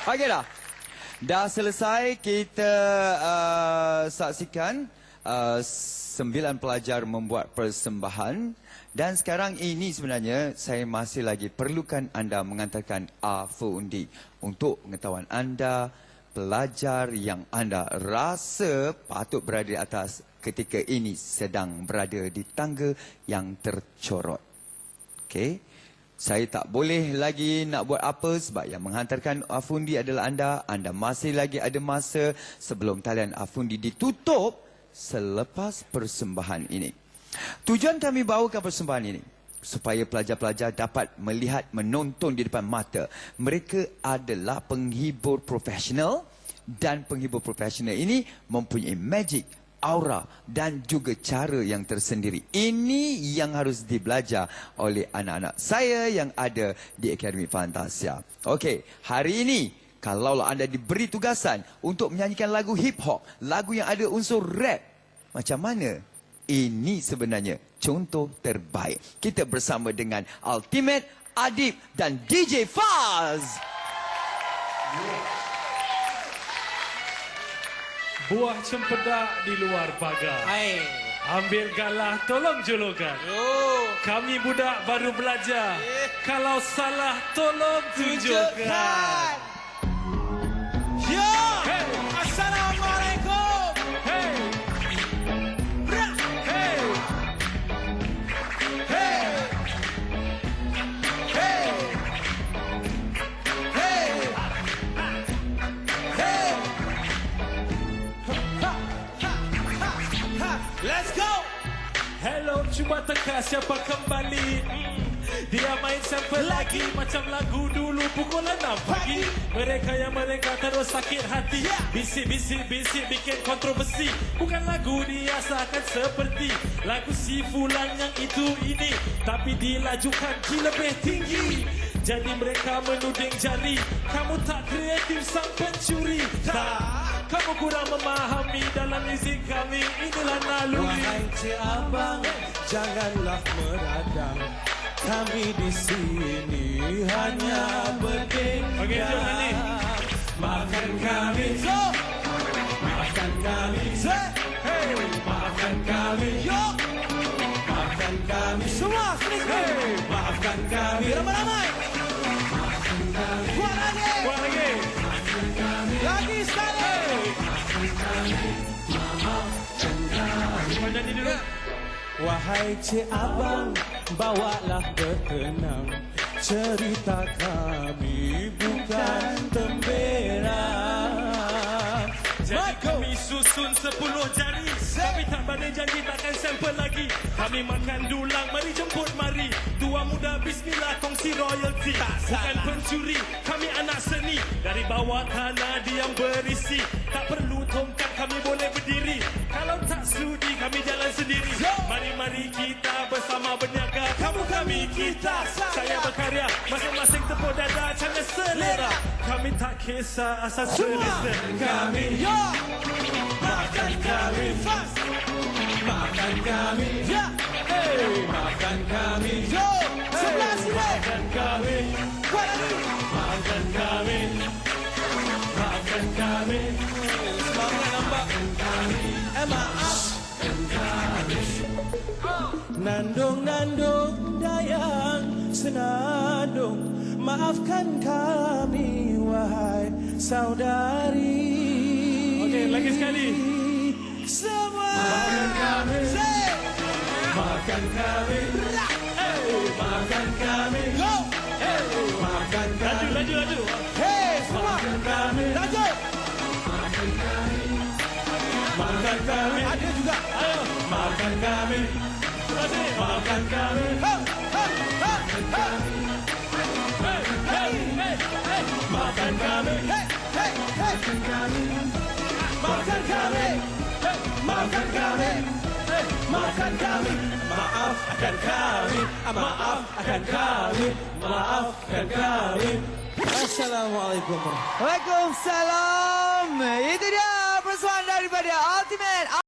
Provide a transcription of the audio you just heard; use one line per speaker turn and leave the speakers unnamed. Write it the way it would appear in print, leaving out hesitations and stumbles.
Okey dah. Dah selesai kita saksikan 9 pelajar membuat persembahan. Dan sekarang ini sebenarnya saya masih lagi perlukan anda mengantarkan afundi. Untuk pengetahuan anda, pelajar yang anda rasa patut berada di atas ketika ini sedang berada di tangga yang tercorot. Okey. Saya tak boleh lagi nak buat apa sebab yang menghantarkan afundi adalah anda. Anda masih lagi ada masa sebelum talian afundi ditutup selepas persembahan ini. Tujuan kami bawakan persembahan ini supaya pelajar-pelajar dapat melihat, menonton di depan mata. Mereka adalah penghibur profesional dan penghibur profesional ini mempunyai magic, aura dan juga cara yang tersendiri. Ini yang harus dibelajar oleh anak-anak saya yang ada di Akademi Fantasia. Okey, hari ini kalau anda diberi tugasan untuk menyanyikan lagu hip hop, lagu yang ada unsur rap, macam mana? Ini sebenarnya contoh terbaik. Kita bersama dengan Ultimate, Adib dan DJ Faz.
Buah cempedak di luar pagar.
Hai.
Ambil galah, tolong julukan. Kami budak baru belajar. Kalau salah, tolong tunjukkan.
Yo!
Hey.
Assalamualaikum!
Hey,
Bra!
hey,
Hey! Hey! Hey! Hey! Ha! Ha! Ha! Ha! Let's go!
hello, cuba teka siapa kembali. Dia main sampai lagi macam lagu dulu pukul 6 pagi. Mereka yang mereka terus sakit hati. Bisik-bisik-bisik bikin kontroversi. Bukan lagu diasakan seperti lagu si fulan yang itu ini, tapi dilajukan di lebih tinggi. Jadi mereka menuding jari, kamu tak kreatif sang pencuri. Tak, kamu kurang memahami dalam muzik kami. Inilah naluri.
Wahai cik abang, janganlah meradang. Kami di sini hanya berdendam.
Okey, jom ni.
Maafkan kami, maafkan kami,
Hey,
maafkan kami, maafkan kami semua. Hey, maafkan kami ramai-ramai. Kuat lagi,
buat lagi.
lagi sekali.
Kau nyanyi dulu.
Wahai cik abang, bawalah berkenang. Cerita kami bukan temberang.
Jadi kami susun 10 jari, tapi tak banding janji takkan sampel lagi. Kami makan dulang, mari jemput mari. Tua muda bismillah kongsi royalty. Bukan pencuri, kami anak seni. Dari bawah tanah diam berisi. Tak perlu tongkat, kami boleh berdiri. Kalau tak sudi, kami jalan sendiri. Mari-mari kita bersama berniaga. Kamu kami kita, saya berkarya. Masing-masing tepuk dada, canggah selera. Kami tak kisah asal selesa.
Kami, maafkan kami, maafkan kami, hey, maafkan kami, sebelah sini, maafkan kami, maafkan kami, maafkan kami, semangat nampak, maaf. Nandung, nandung, dayang, senandung, maafkan kami, wahai saudari.
Okey, lagi sekali.
Semua maafkan kami, maafkan kami, hey, maafkan kami, hey, maafkan kami,
Laju, laju.
hey, semua maafkan kami, laju, maafkan kami, ada juga,
Ayo,
maafkan kami, maafkan kami, maafkan kami, maafkan kami, maafkan kami, maafkan kami, maafkan kami, maafkan kami, maafkan kami, maafkan kami. Assalamualaikum.
Waalaikumsalam. Itu dia persembahan daripada Ultimate.